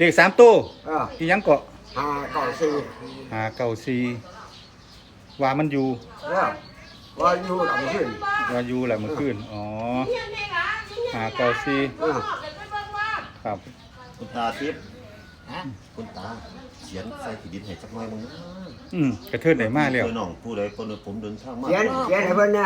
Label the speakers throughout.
Speaker 1: เลข3ตัว
Speaker 2: เ
Speaker 1: อีหยังเกาะ
Speaker 2: 594
Speaker 1: 594ว่ามันอยู่
Speaker 2: ว่าอยู่กับขึ้น
Speaker 1: ว่าอยู่แหละเมื่อคืนอ๋อ594ครับ
Speaker 3: คุณตาทิพย์คุณตาเขียนใส่ขีดินให้จักหน่อยมึง
Speaker 1: กระเทิดได้มาแล้ว
Speaker 3: เพื่อน้องผู้ใดคนผมเดินทางมา
Speaker 2: เขียนให้เพิ่นนะ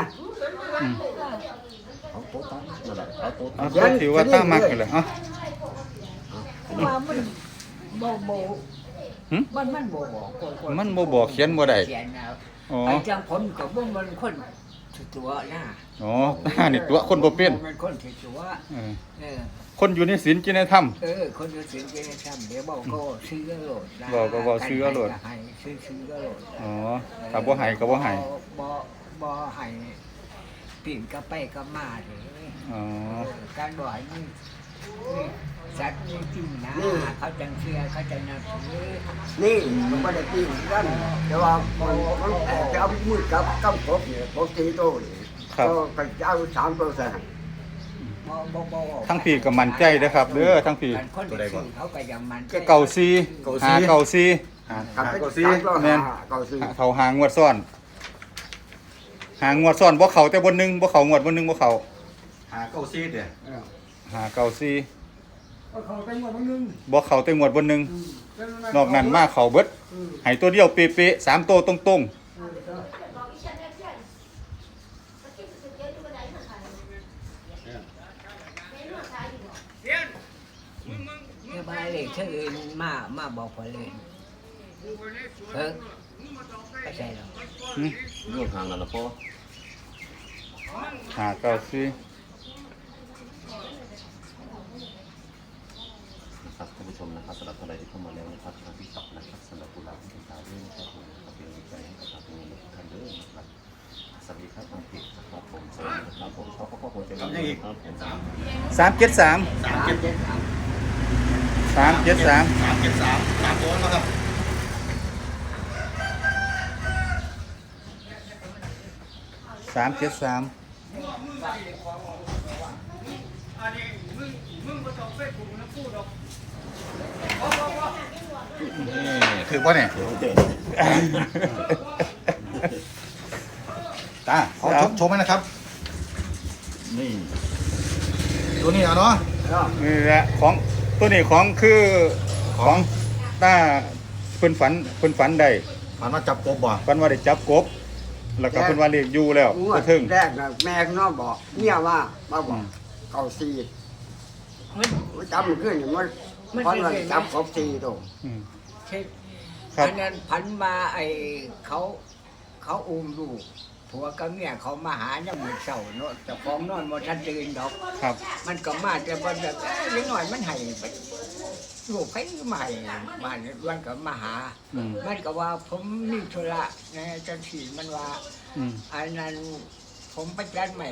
Speaker 3: เอาโต๊ะตั้งนั่นแหละเอาโต๊ะ
Speaker 1: เอา
Speaker 3: ตั้ง
Speaker 1: ก็ถือว่าตั้งมักกันเลยอ่ะ
Speaker 4: ว่ามันบ่บ่
Speaker 1: หึ
Speaker 4: มันบ่บอกคน
Speaker 1: มันบ่บอกเขียนบ่ได้
Speaker 4: เขียนนะ
Speaker 1: อ๋อ
Speaker 4: ไอ้จังผมก็บ่มันคนตัวนะ
Speaker 1: อ๋อนี่ตัวคนบ่เป็น
Speaker 4: มันคนตัว
Speaker 1: เออ
Speaker 4: เออ
Speaker 1: คนอยู่ในศีลกินในธรรม
Speaker 4: คนอยู่สิงจะทำเดี๋ยวบอกก็ซื้อก็โหลดนะ
Speaker 1: บอกก็บอกซื้อก็โหลด
Speaker 4: ให้ซื้อก็โหลด
Speaker 1: อ๋อถ้าบ่ให้ก็บ่ให้
Speaker 4: บ่ให้ปิ่นก็ไปก็มาเลย
Speaker 1: อ๋อ
Speaker 4: การบ่ให้นี่สัตว์นี่จริงนะเขาจังเชื่อเขาจังนับถือ
Speaker 2: นี่มันบ่ได้ปีนกันแต่ว่ามันจะเอามือกับกำกบนี่กบ4ตัวนี่ก็จะเอา3ตัวใส่ให้
Speaker 4: บ่
Speaker 1: ทั้งพี่ก็มั่นใจเด้อครับเด้อทั้งพี่
Speaker 4: คนที่ซื้อเขาก็ยังมัน
Speaker 1: ก็เก่าซีหาเก่าซี
Speaker 2: กับเป็น3ตัว
Speaker 1: แม่น
Speaker 2: 594
Speaker 1: เขาหางวดซ่อน หางวดซ่อนบ่เข้าแต่บนหนึงบ่เข้างวดบนหนึงบ่เข้า
Speaker 3: 594เด้อ
Speaker 1: หาเก่าซี
Speaker 2: เขาไปหมดนึง
Speaker 1: บ่เข้าแต่งวดบนหนึงนอกนั้นมาเข้าเบิดให้ตัวเดียวเป๊ะๆ3ตัวตรงๆ
Speaker 4: เนี่ยบ้านเลยเชื่ออื่นมาบอกพอเลยไม่ใช่หรอก
Speaker 3: ร่วมทางกันละพ่อ
Speaker 1: หาเก่าซี
Speaker 3: นะครับท่านผู้ชมนะครับสำหรับท่านใดที่เข้ามาแล้วนะครับทางที่ตอกนะครับสำหรับผู้รับผู้ตาด้วยนะครับผมนะครับเป็นกำลังใจให้กับทางนี้ท่านเด้อนะครับสวัสดีครับทางเพจนะครับผมสวัสดีครับผมชอบพ่อผมจะมีครับผม
Speaker 1: 373
Speaker 3: ตามตัวนะครับ
Speaker 1: 373 นี่ถือป่ะเนี่ยตาเอาชมไหมนะครับ
Speaker 3: นี่
Speaker 1: ตัวนี้เอาเนาะ นี่แหละของตัวนี้ของตาเพิ่นฝันได้
Speaker 3: ผ่านมาจับกบบ่
Speaker 1: ฝันว่าได้จับกบ แล้วก็เพิ่นว่าเรียกอยู่แล้ว
Speaker 2: งว
Speaker 1: ก็
Speaker 2: ด
Speaker 1: ถึง
Speaker 2: แรกนะแม่ข้างนอกบอกเนี่ยว่ามาบอกเก่า4จำมันขึ้นอย่างมันเพราะว่าจับกบ4ตัว
Speaker 1: อืม
Speaker 4: ใช่
Speaker 1: ครับ
Speaker 4: อันนั้นพันมาไอ้เขาอุ้มลูกผัวกับเมียเขามาหาเนี่ยเหมือนเสาเนาะแต่ของนอนบ่ทันตื่นดอก
Speaker 1: ครับ
Speaker 4: มันก็มาแต่บ่แบบเล็กน้อยมันให้ไปลูกให้มาให้บ้านวันก็มาหา
Speaker 1: อืม
Speaker 4: มันก็ว่าผมมีธุระในจังสีมันว่า
Speaker 1: อืม
Speaker 4: อันนั้นผมไปจัดใหม่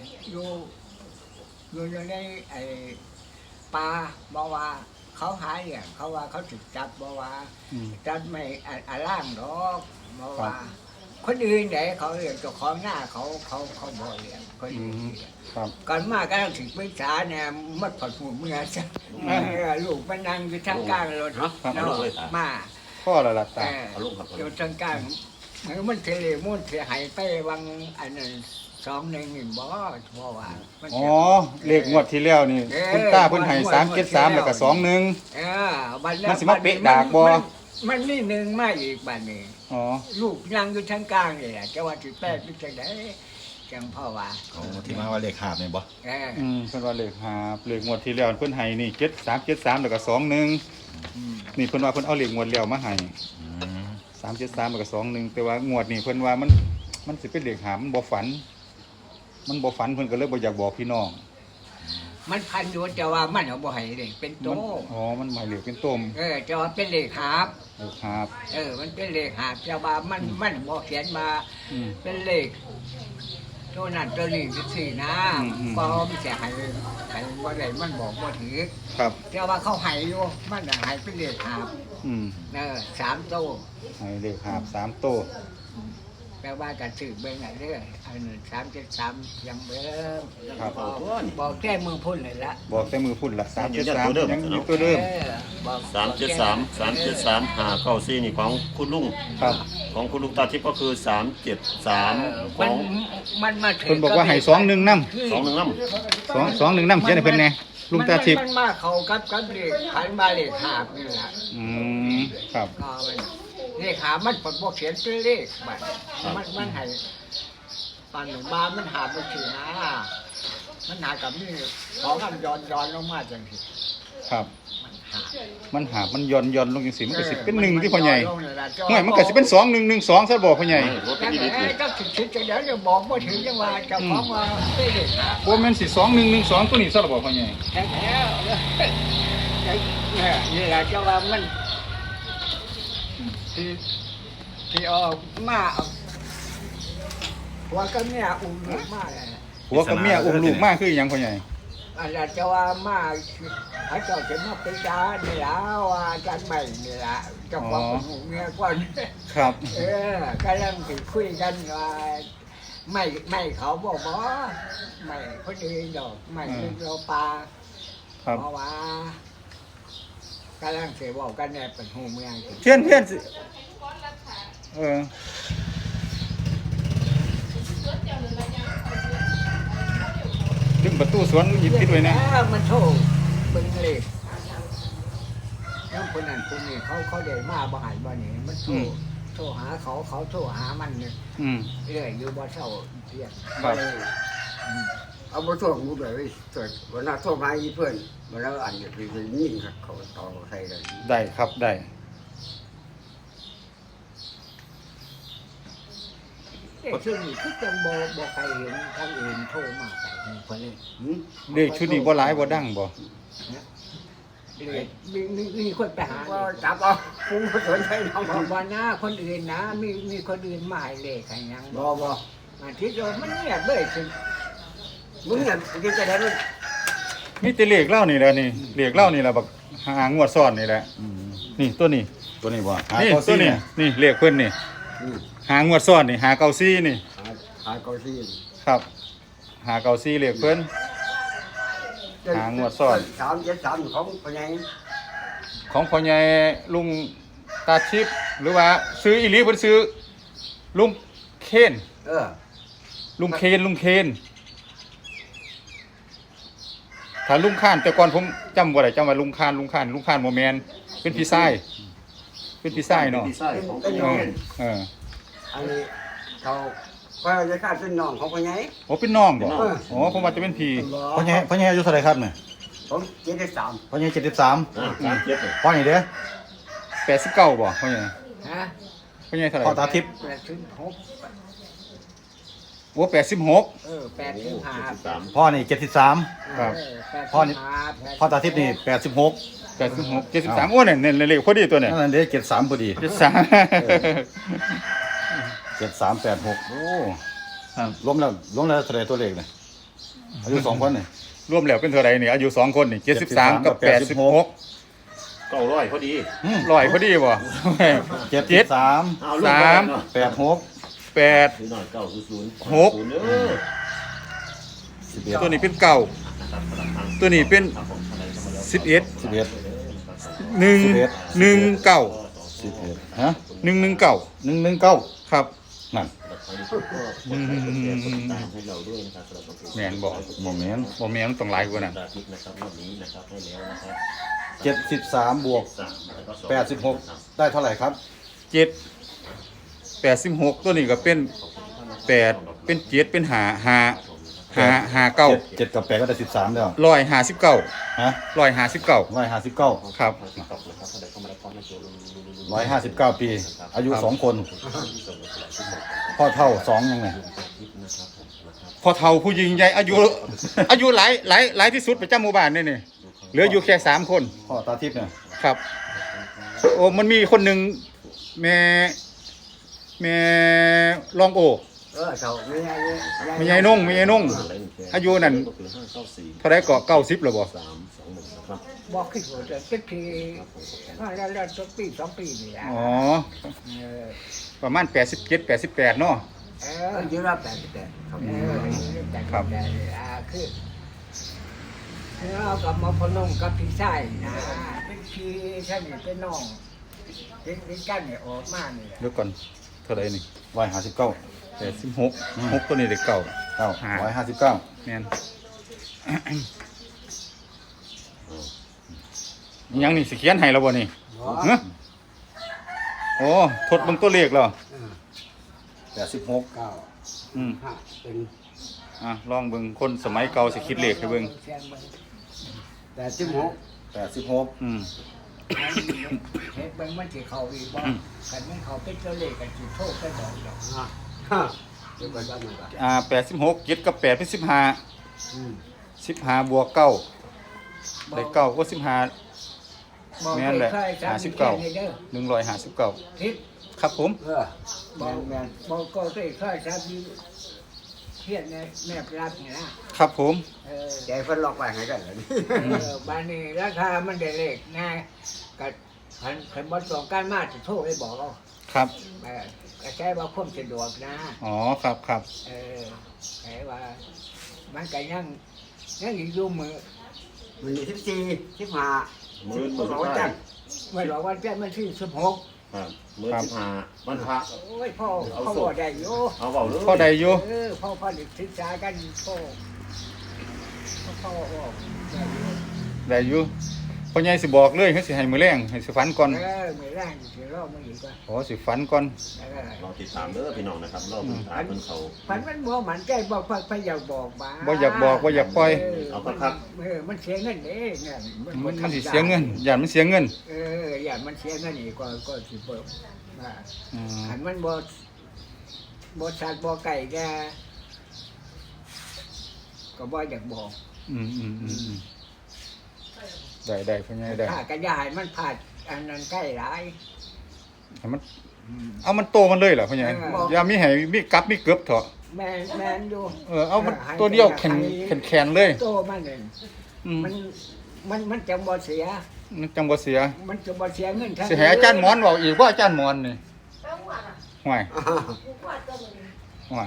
Speaker 4: อยู่ในไอ้ปลาบอกว่าเขาหาเนี่ยเขาว่าเขาถูกจับบอกว่า
Speaker 1: อืม
Speaker 4: จัดใหม่ล่างดอกบอกว่า คนอื่นไหนเขาเรียกเจ้าของหน้าเขาบ่เรียกคน
Speaker 1: อื
Speaker 4: อื่น
Speaker 1: ม
Speaker 4: เรียก
Speaker 1: ครับ
Speaker 4: ก่อนมาก็ต้องถึงปรึกษาเนี่ยมัดผัดหูเมื่อจ้ะลูกมันนั่งอยู่ทางกลางรถเนาะมา
Speaker 1: พ่อละล่ะตา
Speaker 4: อยู่ทางกลางมันเทเลมุ่นเสียหายไปวังอันนั้น2-1นี่บ่เพราะว่ามัน
Speaker 1: อ๋อเลขงวดที่แล้วนี่คุณตาเพิ่นให้373แล้วก็21
Speaker 4: บัด
Speaker 1: มันสิมาเป๊ะดากบ่
Speaker 4: มันนี่หนึ่งมาอีกบัดนี้
Speaker 1: อ๋อ
Speaker 4: ลูกนั่งอยู่ทางกลางนี่แหละจะว่าสิแปดหรือจังได๋จังพ่อว่า
Speaker 3: ที่มาว่าเลขหาบเนี่ยบ่
Speaker 1: เพิ่นว่าเลขหาบเลขงวดที่แล้วเพิ่นให้นี่7373แล้วก็21นี่เพิ่นว่าเพิ่นเอาเลขงวดแล้วมาให้373แล้วก็21แต่ว่างวดนี้เพิ่นว่ามันสิเป็นเลขหาบมันบ่ฝันเพิ่นก็เลยบ่อยากบอกพี่น้อง
Speaker 4: มันพันอยู่แต่ว่ามันเอาบ่ให้เลยเป็นโต
Speaker 1: อ๋อมันหมายเลขเป็นต้ม
Speaker 4: จะว่าเป็นเลขหาบ
Speaker 1: เลขหาบ
Speaker 4: มันเป็นเลขหาบแต่ว่ามันบ่เขียนมา
Speaker 1: อืม
Speaker 4: เป็นเลขตัวนั้นตัวนี้สินะบ่มีแต่ให้บ่ได้มันบอกบ่ถือ
Speaker 1: ครับ
Speaker 4: แต่ว่าเขาให้อยู่มันน่ะให้เป็นเลขหาบ
Speaker 1: อืม
Speaker 4: 3โต
Speaker 1: ให้เลขหาบ3โต
Speaker 4: ไปแต่ว่ากันซื้อเบิ่งเด้ออันนั้น373ยังเบิ่ง
Speaker 1: ครับ
Speaker 4: บอกแค่มือพุ่นเลยละ
Speaker 1: บอกแต่มือพุ่นละ373ยังอยู่ตัวเดิม
Speaker 4: บอก
Speaker 3: 373 594นี่ของคุณลุง
Speaker 1: ครับ
Speaker 3: ของคุณลุงตาทิพย์ก็คือ 373 ข
Speaker 4: มั
Speaker 3: อน ง
Speaker 4: มันมาถึง
Speaker 1: เพิ่นบอกว่าให้21นำ
Speaker 3: 21น้ำ
Speaker 1: 21นำเขียนให้เพิ่นแหน่ลุงตาทิพย์
Speaker 4: มันมาเข้ากับเลขขันมาเลขหาบนี่ล่ะ
Speaker 1: ครับ
Speaker 4: ก็มันเลขหามันปดบ่เขียนเป็นเลขบัดมันให้ปานหนึ่งมามันหาบ่ถือนะมันหากับนี่ของมันย้อนลงมาจังซี่
Speaker 1: ครับ
Speaker 4: มันหา
Speaker 1: มันหย่อนลงจังซี่มันก็สิเป็น1ที่พ่อใหญ่
Speaker 4: ย้อนลงนี่ล่ะ
Speaker 1: ห่วยมันก็สิเป็น2112ซะบ่พ่อใหญ่
Speaker 3: รถ
Speaker 4: จัง
Speaker 3: ดี
Speaker 4: ไงก็คิดจังเดี๋ยวจะบอกบ่ถึงจังว่าเจ้าของว่าเป็นเลขหา
Speaker 1: บ่แม่นสิ2112ตัวนี้ซะบ่พ่อใหญ่
Speaker 4: แท้นี่แหละเจ้าว่ามันที่ออกมาหัวก็เมียอุ้มลูกมาเลย
Speaker 1: ผัวกับเมียอุ้มลูกมาคือหยังพ่อใหญ่
Speaker 4: อันนั้นเจ้าว่ามาพระเจ้าจะมาเป็นจานนี่ละว่าจานใหม่นี่ละเจ้าของของเมียก่อน
Speaker 1: ครับ
Speaker 4: กำลังไปคุยกันว่าไม่เขาบอกว่าไม่คนอื่นดอกไม่เป็นโลปลา
Speaker 1: ครับ
Speaker 4: เพราะว่ากำลังเสียบอกกันเนี่ยเป็นหูเมือง
Speaker 1: เพี้ยนสิดึงประตูสวนหยิบปิดไว้นะ
Speaker 4: มันโชว์เป็นเลยแล้วคนนั้นคนนี้เขาเดินมาบ่หายบ่หนีมันโทรหาเขาโทรหามันเนี่ย
Speaker 1: อืม
Speaker 4: เรื่อยอยู่บ่เศร้าเพียง
Speaker 1: ครับ
Speaker 2: เอาไปส่งกูเลยเกิดวันนั้นส่งมาอีเพื่อนวันนั้นอันจะไปยิงเขาต่อใส่เลย
Speaker 1: ได้ครับได้
Speaker 4: ช่วงนี้คือจังบ่ใครเห็นทางอื่นโทรมาใส่คนนี้
Speaker 1: เลขชุดนี้บ่หลายบ่ดังบ่
Speaker 4: เลยมีคนไปหา
Speaker 2: ว่าจับเอาปุ้งก็สนใจน้อง
Speaker 4: บอกว่าหน้าคนอื่นนะมีคนอื่นมาให้เลขให้ยัง
Speaker 2: บ่บ่
Speaker 4: อาทิตย์เดียวมันเงียบเลยสิ
Speaker 2: มึงเนี่ยกินจะได้มึง
Speaker 1: มีแต่เลขเล่านี่แหละนี่เลขเล่านี่แหละบักหางวดซ้อนนี่แหละนี่ตัวนี้
Speaker 5: ตัวนี้บ่
Speaker 1: นี่ตัวนี้นี่เลขเพิ่นนี่หางวดซ้อนนี่หาเก้าซี่นี่
Speaker 2: หาเกาซี
Speaker 1: ครับหาเก้าซี่เลขเพิ่น
Speaker 2: 373ของปัญญา
Speaker 1: ของพ่อใหญ่ลุงตาชิปหรือว่าซื้ออีหลีเพิ่นซื้อลุงเคน ลุงเคนถ้าลุงข้านแต่ก่อนผมจำบ่ได้จำว่าลุงข้านบ่แม่นเป็นพี่ชายเป็นพี่ชายเนาะ
Speaker 3: ดีไซน์ของคุณ
Speaker 1: เออ
Speaker 2: อันนี้เขาก็จะฆ่าเป็นน้องของปัญญา
Speaker 1: โอ้เป็นน้องบ่อ๋อผมว่าจะเป็นพี่
Speaker 5: พ่อใหญ่อายุเท่าไหร่ครับเนี่ย
Speaker 2: ผม73
Speaker 5: พ่อใหญ่73
Speaker 3: 3เจ็ดเลย
Speaker 5: พ่อใหญ่เด้อ
Speaker 1: 89บ่พ่อใหญ่
Speaker 4: ฮะ
Speaker 1: พ่อใหญ่เท่าไหร่
Speaker 5: พ่อตาทิพย์
Speaker 4: 86
Speaker 1: โอ้86
Speaker 4: 85
Speaker 5: พ่อนี่73
Speaker 1: ครับ
Speaker 5: พ่อนี่ พ่อตาทิพย์นี่86
Speaker 1: 86 73โอ้เนี่ยเลขพอดีตัวเนี่ย
Speaker 5: นั่นเด้73พอดี
Speaker 1: 73
Speaker 5: 7386โอ้
Speaker 1: ครับ
Speaker 5: รวมแล้วเท่าไหร่ตัวเลขเนี่ยอายุ2คนนี่
Speaker 1: รวมแล้วเป็นเท่าไหร่นี่อายุ2คนนี่73กับ86
Speaker 3: 900พอดี
Speaker 1: ร้อยพอดีบ่
Speaker 5: 73
Speaker 3: เอาลูกไปเนาะ
Speaker 5: 86
Speaker 1: 8
Speaker 3: หรือหน่อย900
Speaker 1: หก
Speaker 3: เด้อ
Speaker 5: 11
Speaker 1: ตัวนี้เป็นเก่าตัวนี้เป็น11
Speaker 5: 11
Speaker 1: 1 9
Speaker 5: 11ฮะ
Speaker 1: 119
Speaker 5: 119
Speaker 1: ครับ
Speaker 5: นั่น
Speaker 3: ให้เราด้วยนะครับสำหรับตัว
Speaker 1: แม่นบ่
Speaker 5: บ่แม่น
Speaker 1: บ่แม่นต้องหลายกว่านั้น
Speaker 3: อาทิตย์นะครับวันนี้นะครับให้แล้วนะครับ
Speaker 5: 73บวก
Speaker 3: 3แล้วก็
Speaker 5: 86 ได้เท่าไหร่ครับ
Speaker 1: 7 86ตัวนี้ก็เป็น8เป็น7เป็น5 9
Speaker 5: 7กับ8ก็ได้13แล้ว
Speaker 1: 159
Speaker 5: ฮะ
Speaker 1: 159
Speaker 5: 159
Speaker 1: ครับ
Speaker 5: 159 ปี อายุ 2 คน พ่อเท่า 2 ยังไง
Speaker 1: พอเฒ่าผู้หญิงใหญ่อายุหลายที่สุดประจำหมู่บ้านนี่เหลืออยู่แค่3คน
Speaker 5: พ่อตาทิพย์เนี่ย
Speaker 1: ครับ โอ้มันมีคนหนึงแม่รองโอ
Speaker 2: เขาไม่ใช่
Speaker 1: ไม่ใหญ่นุ่งอายุนั่นเท่าไรก็90แล้วบ่
Speaker 4: บอกขึ้นหัวจะสักทีแล้วสักปี2 ปีนี่แหละ
Speaker 1: อ๋อประมาณ87 88เนาะ
Speaker 4: เอ
Speaker 2: เอ
Speaker 4: อ
Speaker 2: อยืนรับ88ครับ
Speaker 4: แต่คือเรากับมาพนมกับพี่ชายนะเป็นพี่ท่านนี่เป็นน้องเป็นกันเนี่ยออกมาเนี่ย
Speaker 1: เดี๋ยวก่อนเท่าไหร่นี่
Speaker 5: 159
Speaker 1: 86 6ตัวนี้ได้เก่า
Speaker 5: 159
Speaker 1: แม่น ยังนี่สิเขียนให้แล้วบ่นี่ฮะโอ้ทดเบิ่งตัวเลขแล้ว
Speaker 5: 86
Speaker 1: อืม
Speaker 2: 5เป็น
Speaker 1: ลองเบิ่งคนสมัยเก่าสิคิดเลขให้เบิ่ง
Speaker 2: 86
Speaker 5: 86
Speaker 1: อืม
Speaker 4: เฮ็ดเบิ่งมันสิเข้าอีกบ่กันมันเข้าเป็นตัวเลขกันสิโทษกันดอกดอก
Speaker 2: เดี๋ยวไปบ้านมันก่อน
Speaker 1: 86 7กับ8เป็น15
Speaker 2: อืม
Speaker 1: 15บวก9ได้9ก็15
Speaker 4: บอก
Speaker 1: แม่นแหละ
Speaker 4: เคยจำ
Speaker 1: 59
Speaker 4: เด้อ
Speaker 1: 159
Speaker 4: ทิศ
Speaker 1: ครับผม
Speaker 4: บอกบอกก็เคยจำอยู่เพียนในแม่ปรับนี่นะครับ
Speaker 1: ผม
Speaker 2: ใจเพิ่นล็อกไว้ให้กันเลย
Speaker 4: บ้านนี้ราคามันได้เลขง่ายก็คันบ่ต้องการมาสิโทรไปบอกเอา
Speaker 1: ครับ
Speaker 4: ก็ใช้ว่าความสะดวกนะ
Speaker 1: อ๋อครับครับ
Speaker 4: ใช้ว่ามันก็ยังอยู่มือ
Speaker 2: มันมี14 15
Speaker 3: มื้อ
Speaker 2: บ่
Speaker 3: สุด
Speaker 2: รู้
Speaker 3: ท้า
Speaker 2: จั
Speaker 3: ย
Speaker 2: ง
Speaker 4: ไม่หรอกวันแจ้มันที่16
Speaker 3: ครับมื้อ15วันพระ
Speaker 4: โอ้ยพ่อบ่ได้อยู่
Speaker 3: เอาเว้าเลย
Speaker 1: พ่อใดอยู่
Speaker 4: พ่อได้ศึกษากันพ่อบอกได้อยู่
Speaker 1: ได้อยู่พ่อใหญ่สิบอกเลยให้สิให้มื้อแรงให้สิฝันก่อน
Speaker 4: ไม่แรงสิรอมาอีกว่า
Speaker 1: อ๋อสิฝันก่อน
Speaker 3: รอติดตามเด้อพี่น้องนะครับรอติดตามเพิ่นเขา
Speaker 4: พันมันบ่มันใจบอกพอยากบอกมา
Speaker 1: บ่อยากบอกบ่อยากปล่อย
Speaker 4: มันเสียเงินเด้เนี่ย
Speaker 1: มันสิเสียเงินย่านมันเสียเงิน
Speaker 4: อย่ามันเสียเงินอีกก็สิเบิ่ม
Speaker 1: อืม
Speaker 4: อันมันบ่สัตว์บ่ไก่แกก็บ่อยากบอก
Speaker 1: อืมได้พ่อใหญ่ได้
Speaker 4: ถ้ากระยายมันผ่าดอันนั้นใกล้หลาย
Speaker 1: ให้มันเอามันโตมันเลยเหรอพ่อใหญ่อย่ามีให้มีกับมีเกือบเถอะ
Speaker 4: แม่นอยู่
Speaker 1: เอามันตัวเดียวแข็งเลย
Speaker 4: โตมันนั่น
Speaker 1: อืม
Speaker 4: มันจะบ่เสีย
Speaker 1: มันจังบ่เสีย
Speaker 4: มันจะบ่เสียเงินทั้ง
Speaker 1: สิให้อาจารย์หมอนเว้าอีกว่าอาจารย์หมอนนี่ห่วยห่วย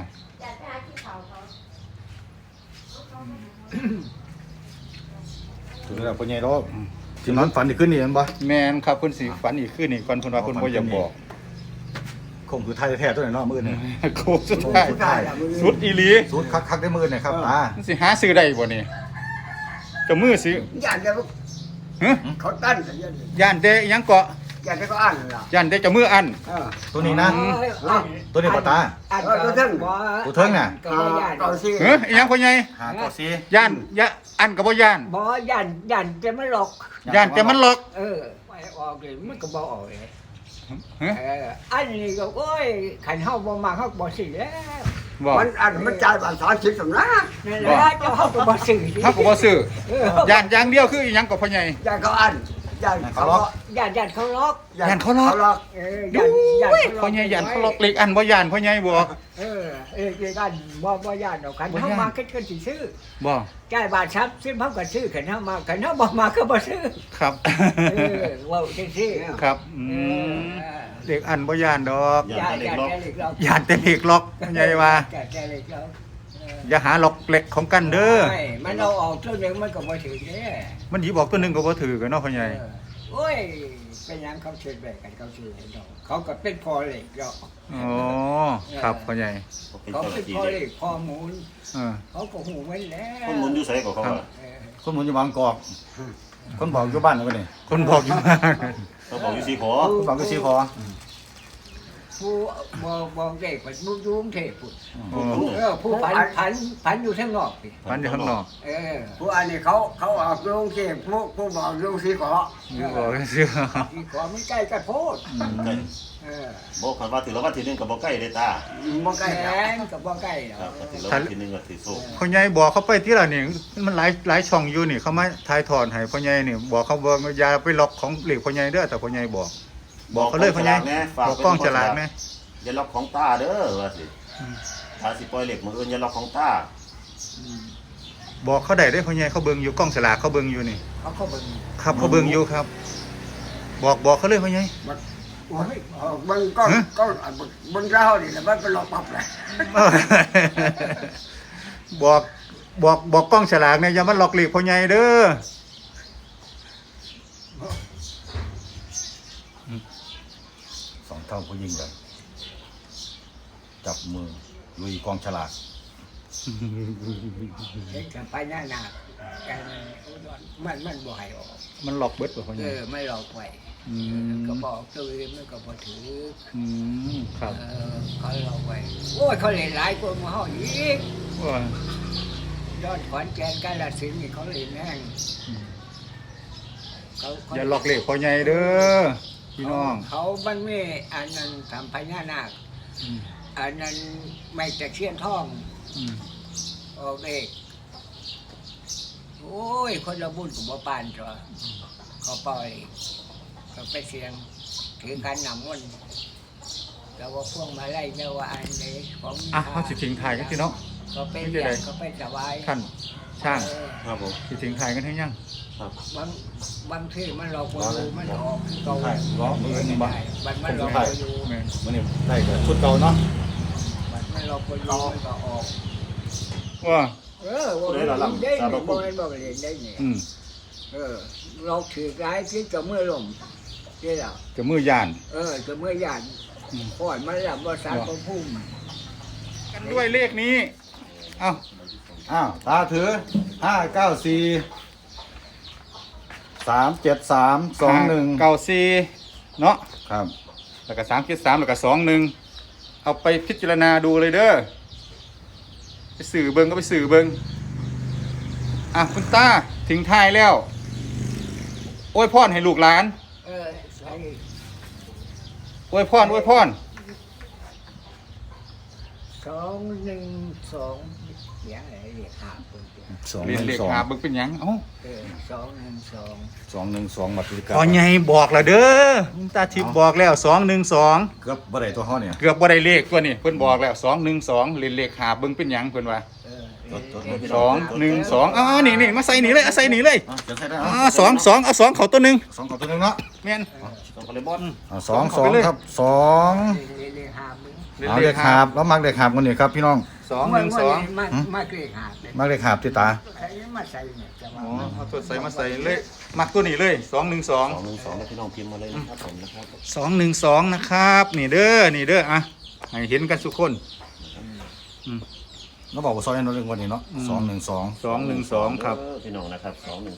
Speaker 5: ถึงแล้วพ่อใหญ่รอบสินอนฝันอีกขึ้นนี่แม่นบ่
Speaker 1: แม่นครับเพิ่นสิฝันอีกคืนนี่ก่อนเพิ่นว่าเพิ่นบ่อยากบอก
Speaker 5: คงคือไทยแท้ๆตัวนี้เนาะมื้อนี้
Speaker 1: โค้งสุดท้าย
Speaker 2: สุดท้ายอะมือ
Speaker 1: สุดอีหลี
Speaker 5: สูตรคักๆได้มื้อนี่ครับตา
Speaker 1: มันสิหาซื้อได้บ่นี่จะมือสิ
Speaker 2: ย่านเดียว
Speaker 1: ฮะ
Speaker 2: เขาตั้นกันย่าน
Speaker 1: ย่านแต่อิหยังเกาะ
Speaker 2: ย่านเดียวก็อ่านนั่นล่ะ
Speaker 1: ย่านแต่จะมืออัน
Speaker 5: ตัวนี้นะ ตัวนี้บ่ตา
Speaker 4: ตัวเทิง
Speaker 5: ตัวเทิงน่ะ
Speaker 4: ก็บ่ย่าน
Speaker 2: เก่าสิ
Speaker 1: เฮ้ยอิหยังพ่อใหญ่
Speaker 5: 594
Speaker 1: ย่านยะอันก็บ่ย่าน
Speaker 4: บ่ย่านจะมันหลอก
Speaker 1: ย่านแต่มันหลอก
Speaker 4: ไม่ออกเลยมันก็บ่ออกเลย
Speaker 1: ฮะ
Speaker 4: อันนี้ก็โอ้ยขันเฮาบ่มาเฮาบ่ซื้อแล้ว
Speaker 1: บ่
Speaker 2: มันอ่านมันจ่ายบาท30สำนัก
Speaker 4: นั่นแหละเจ้าเฮาก็บ่ซื้อ
Speaker 1: เฮาก็บ่ซื้อย่านอย่างเดียวคืออิหยังก็พ่อใหญ่
Speaker 2: ย่านเขาอ่านย่านเขาล็อก
Speaker 4: ย่านเขาล็อก
Speaker 1: ย่านเขาล็อก
Speaker 2: เขาล็อก
Speaker 1: ดูพ่อใหญ่ย่านเขาล็อกเล็กอันบ่ย่านพ่อใหญ่บ่
Speaker 4: กันบ่ย่านดอกขันเฮามาคิดกันสิซื้อ
Speaker 1: บ่
Speaker 4: จ่ายบาทซับซื้อเฮาก็ซื้อขันเฮามาขันเฮาบ่มาก็บ่ซื้อ
Speaker 1: ครับ
Speaker 4: เว้าจังซี่
Speaker 1: ครับเด็กอันบ่ย่านดอก
Speaker 4: ย่านเล็กล็อก
Speaker 1: ย่านแต่เล็กล็อกพ่อใหญ่ว่า
Speaker 4: ย่านเล็กล็อก
Speaker 1: อย่าหาล็อกเล็กของกันเด้อ
Speaker 4: มันเอาออกตัวนึงมันก็บ่ถือเด้
Speaker 1: มันหยิบออกตัวหนึงก็บ่ถือกันเนาะพ่อใหญ่
Speaker 4: โอ้ยเป็นหยังเขาเชิญแบกกันเขาเชิญเนาะเขาก็เป็นพอเหล็กเนาะ
Speaker 1: อ๋อครับพ่อใหญ่
Speaker 3: เป็น
Speaker 4: เขา
Speaker 3: เจ้าห
Speaker 4: เป็
Speaker 3: น้าน ที่
Speaker 4: พอ
Speaker 3: เด็
Speaker 4: เหล็
Speaker 3: ก
Speaker 4: กพอหมูล
Speaker 1: เออ
Speaker 4: เขาก็หูไว้แล้ว
Speaker 3: คนหมุนอยู่ไสก็เขาว่า
Speaker 5: คนหมุนอยู่บางกอกคนบอกอยู่บ้านแล้วก็นี่
Speaker 1: คนบอกอยู่ว่า
Speaker 3: เขาบอกอยู่สีขอ
Speaker 5: คนบอกอยู่สีขอ
Speaker 4: ผู้บอกเด็กมันมุ่งยุ่งเทพพุ่น
Speaker 1: อ๋อ
Speaker 4: ผู้ผันอยู่ข้างนอกสิ
Speaker 1: มันอยู่ข้างนอก
Speaker 2: ผู้อันนี้เขาออกโรงเก็บผู้บอกโรงสีขอ
Speaker 1: อยู่บอกซื่อ
Speaker 4: อีกขอไม่ใกล้กันโพด
Speaker 3: ใกล้บอกคันว่าถือแล้ววันที่หนึงก็บ่ใกล้เด้ตา
Speaker 2: บ่ใกล้
Speaker 4: แข
Speaker 2: แล้ว
Speaker 4: นกับบ่ใกล้เนา
Speaker 3: ครับ
Speaker 4: ะ
Speaker 3: ถือแล้ววันที่หนึงก็ถือโซ่
Speaker 1: พ่อใหญ่บอกเขาไปที่ละนี่มันหลายช่องอยู่นี่เขามาถ่ายทอดให้พ่อใหญ่นี่บอกเขาบอกอย่าไปล็อกของเหล็กพ่อใหญ่เด้อแต่พ่อใหญ่บอกเขาเลยพ่อใหญ่บอกกล้องฉลาดแม่
Speaker 3: อย่าล็อกของตาเด้อว่าสิถ้าสิปล่อยเหล็กมื้ออื่นอย่าล็อกของตา
Speaker 1: บอกเขาได้ได้อพ่อใหญ่เขาเบิ่งอยู่กล้องฉลากเขาเบิ่งอยู่นี่
Speaker 4: เขาก็เบิ่ง
Speaker 1: ครับเขาเบิ่งอยู่ครับ บอกเขาเลยพ่อใหญ่
Speaker 2: โอ้ยมันก็บนเราเนี่ยมันเป็นหลอกปับเลย
Speaker 1: บอกกล้องฉลากเนี่ยอย่ามาหลอกหลีกพ่อใหญ่เด้อ
Speaker 5: สองเท่าผู้ยิ่งใหญ่จับมือลุยกองฉลาก
Speaker 4: เห็นกันไปหน้าหนักกันมันบ่ให้ออก
Speaker 1: มันหลอกเบิดบ่พ่อใหญ่
Speaker 4: ไม่หลอกไว้
Speaker 1: อืม
Speaker 4: ก็บอกตัวเองมันก็บ่ถือ
Speaker 1: ครับ
Speaker 4: เขาหลอกไว้โอ้ยเขาเล่นหลายคนมาเฮาอีก
Speaker 1: ว่า
Speaker 4: ยอดขอนแก่นกาฬสินธุ์นี่เขาเล่นแห้งเขา
Speaker 1: อย่าหลอกหลีกพ่อใหญ่เด้อพี่น้อง
Speaker 4: เขามันไม่อันนั้นทำพญานาคอันนั้นไม่ตะเคียนทอง
Speaker 1: อืม
Speaker 4: ออกเอกโอ้ยคนละบุญกับบ่ปานจ้ะเขาปล่อยเขาไปเสียงถือการนำมันแต่ว่าพวกมาไล่เจ้าว่าอันเด็กของ
Speaker 1: อ่ะเขาสิทิ้งถ่ายกันพี่น้อง
Speaker 4: เขาไปเรียนเขาไปสบาย
Speaker 1: ท่านช่าง
Speaker 3: ครับผม
Speaker 1: สิทิ้งถ่ายกันให้ยัง
Speaker 3: ครับ
Speaker 4: บางที่มันหลอกคนดูมันออกเก่า
Speaker 5: ใช่ล้อมือหนึ่งบ้าง
Speaker 4: มันหลอกคนดู
Speaker 1: แม่น
Speaker 5: มันนี่ได้แต่ชุดเก่าเนาะ
Speaker 4: มันหลอกคนดูมันก็ออก
Speaker 1: ว่า
Speaker 4: ว่าได้ได้เนี่ยบ่แม่นบ่เล่นได้เนี่ย
Speaker 1: อืม
Speaker 4: เราถือร้ายที่จะเมื่อลมใช่หรอ
Speaker 1: จะมือย่าน
Speaker 4: จะเมื่อหยาดก่อนมันหลับว่าสารประพุ่ม
Speaker 1: กันด้วยเลขนี้เอ้า
Speaker 5: อ้าวตาถือ594 373 21
Speaker 1: เก้าสี่เนาะ
Speaker 5: ครับ
Speaker 1: แล้วก็373แล้วก็21เอาไปพิจารณาดูเลยเด้อไปสื่อเบิ่งก็ไปสื่อเบิ่งอ่ะคุณตาถึงท้ายแล้วอวยพรให้ลูกหลาน
Speaker 4: ใส่
Speaker 1: อวยพร
Speaker 4: 212เสียงอะไรเรียกหาคนเดียว
Speaker 1: เรียนเลขหาเบิ่งเป็นหยังเอ้า
Speaker 4: 212
Speaker 5: 212บัตรพิการ
Speaker 1: พอใหญ่บอกแล้วเด้อคุณตาทิพย์บอกแล้ว212
Speaker 5: เกือบบ่ได้ตัวเขาเนี่ย
Speaker 1: เกือบบ่ได้เลขตัวนี้เพิ่นบอกแล้ว212เล่นเลขหาเบิ่งเป็นหยังเพิ่นว่า212นี่มาใส่นี่เลยเอาใส่นี่เลย
Speaker 5: จะใช้ได้
Speaker 1: 2เอา2เข้าตัวหนึง
Speaker 5: 2กับตัวนึงเนาะ
Speaker 1: แม่น
Speaker 3: ต้องคอลเลบอน
Speaker 5: 2ครับ2
Speaker 4: เรียกหามึง
Speaker 5: เอาเด็กหาบแล้วมักเด็กหาบกันนี่ครับพี่น้อง
Speaker 1: 212
Speaker 4: มาเกลียหาเลย
Speaker 5: มักเด็กหาบที่ตา
Speaker 4: ใครมาใส่เนี่ยจะ
Speaker 1: อ๋อ
Speaker 4: ว่า
Speaker 1: เอาตัวใส่มาใส่เลยมักตัวนี้เลย212
Speaker 3: 212แล้วพี่น้องพิมพ์มาเลยนะครับผมนะครับ
Speaker 1: 212นะครับนี่เด้ออ่ะให้เห็นกันทุกคน
Speaker 5: เราบอกว่าซอยนั่นเรื่องวันนี้เนาะ212
Speaker 1: ครับ
Speaker 3: พี่น้องนะครับ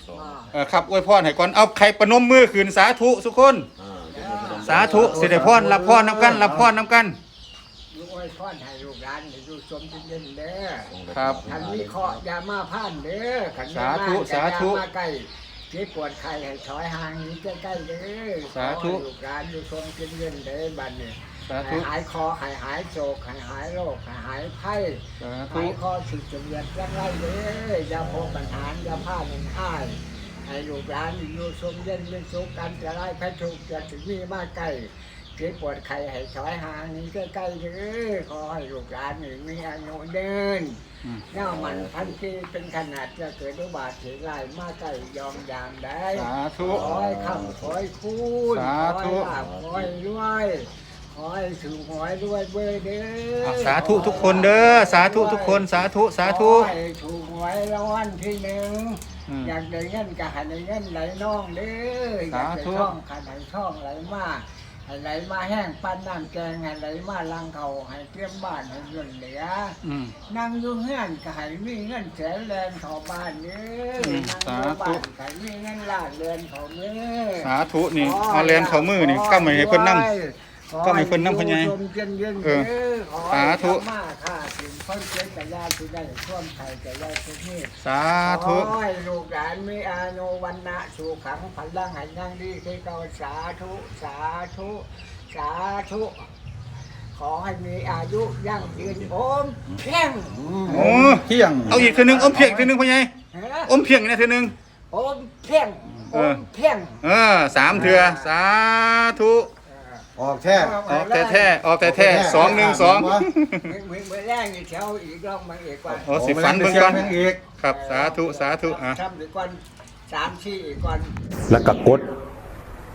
Speaker 3: 212
Speaker 1: ครับอวยพรให้ก่อนเอาใครประนมมือขึ้นสาธุทุกคน สาธุสิได้พรรับพรน้ำกันรับพรน้ำกัน
Speaker 4: ลูกอ้อยพ่อนให้ลูกหลานให้ดูชมเย็นๆเด้อ
Speaker 1: ครับ
Speaker 4: ขันวิเคราะห์อยามาพ่านเด้อขัน
Speaker 1: สาธุสาธุ
Speaker 4: มาใกล้เจ็บปวดไข้ให้ถอยห่างหนี้ใกล้ๆเด้อ
Speaker 1: สาธุ
Speaker 4: ขอให้ลูกหลานดูชมเย็นๆเด้อบัดนี้
Speaker 1: สาธุ
Speaker 4: ให้หายคอให้หายโศกให้หายโรคให้หายไข้
Speaker 1: สา
Speaker 4: หา
Speaker 1: ธุ
Speaker 4: ยคอสิจะเวียนร่างไรเด้ออย่าพบปัญหาอย่าพลาดมันอ้ายให้ลูกหลานอยู่ชมเย็นเป็นสุขกันจะไล่พระทุกข์จะถึงมีมาใกล้เจ็บปวดไข้ให้ถอยห่างหนี้ใกล้ๆเด้อขอให้ลูกหลานมีอายุเดิน เน่ามันพันปีเป็นขนาดจะเกิดอุบัติเหตุร้ายมาใกล้ยอมยามได้
Speaker 1: สาธุ
Speaker 4: ขอให้คำขอให้คูณ
Speaker 1: สาธุ
Speaker 4: ขอให้ลาภขอให้รวยขอให้ถึงหวยรวยเบอร์เด้อ
Speaker 1: สาธุทุกคนเด้อสาธุทุกคนสาธุสาธุ
Speaker 4: ขอให้ถูกหวยรางวัลที่หนึ่ง
Speaker 1: อืม
Speaker 4: อยากได้เงินก็ให้ได้เงินไหลน่องเด้ออยากได้
Speaker 1: สาธุ
Speaker 4: ท่องก็ให้ท่องไหลมาให้ไหลมาแห้งปั้นน้ำแกงให้ไหลมาลังเขาให้เตรียมบ้านให้เงินเหลือ
Speaker 1: อืม
Speaker 4: นั่งอยู่เฮือนก็ให้มีเงินแสนแลนเข้าบ้านเด้อ
Speaker 1: อืม
Speaker 4: นั่งอยู่บ้านก็ให้มีเงินล้านเรือนเข้ามือ
Speaker 1: สาธุนี่เอาแลนเข้ามือนี่ก็ไม่ให้เพิ่นนั่ง ก็ไม่เพิ่นนำเพิ่นใหญ่
Speaker 4: ขอให้อยู่ชมเย็นๆ
Speaker 1: เออ
Speaker 4: เด้อขอ
Speaker 1: สา
Speaker 4: ให้
Speaker 1: ธุ
Speaker 4: ธรรมาค่าสิ่งคนเจ็บกะยาที่ได้ท่วมไข่กะยาทุกนี้
Speaker 1: สาธุ
Speaker 4: ขอให้ลูกหลานมีอายุวันนะสู่ขังพลังให้ยั่งดีคือเก่าสาธุสาธุสาธุขอให้มีอายุยั่งยืนโอมเพียง
Speaker 1: โอ้
Speaker 5: เที่ยง
Speaker 1: เอาอีกเทื่อนึงอมเพียงอีกเทื่อนึงพ่อใหญ่
Speaker 4: ฮะ
Speaker 1: อมเพียงอีกนะเทื่อนึง
Speaker 4: โอมเพียงโอมเพียง
Speaker 1: 3เทื่อสาธุ
Speaker 5: ออกแท้
Speaker 1: ออกแต่แท้ออกแต่แท้212
Speaker 4: เมื่อแรกนี่แถวอีกรอบมาอีกกว่า
Speaker 1: โอ้สิฝันเบิ่งก่อน
Speaker 5: อีก
Speaker 1: ครับสาธุสาธุอ่ะ
Speaker 4: ทำอีกก่อน3-4อีกก่อน
Speaker 5: แล้วก็กด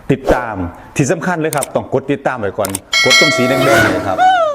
Speaker 1: ติดตามที่สำคัญเลยครับต้องกดติดตามไว้ก่อนกดตรงสีแดงๆเลยครับ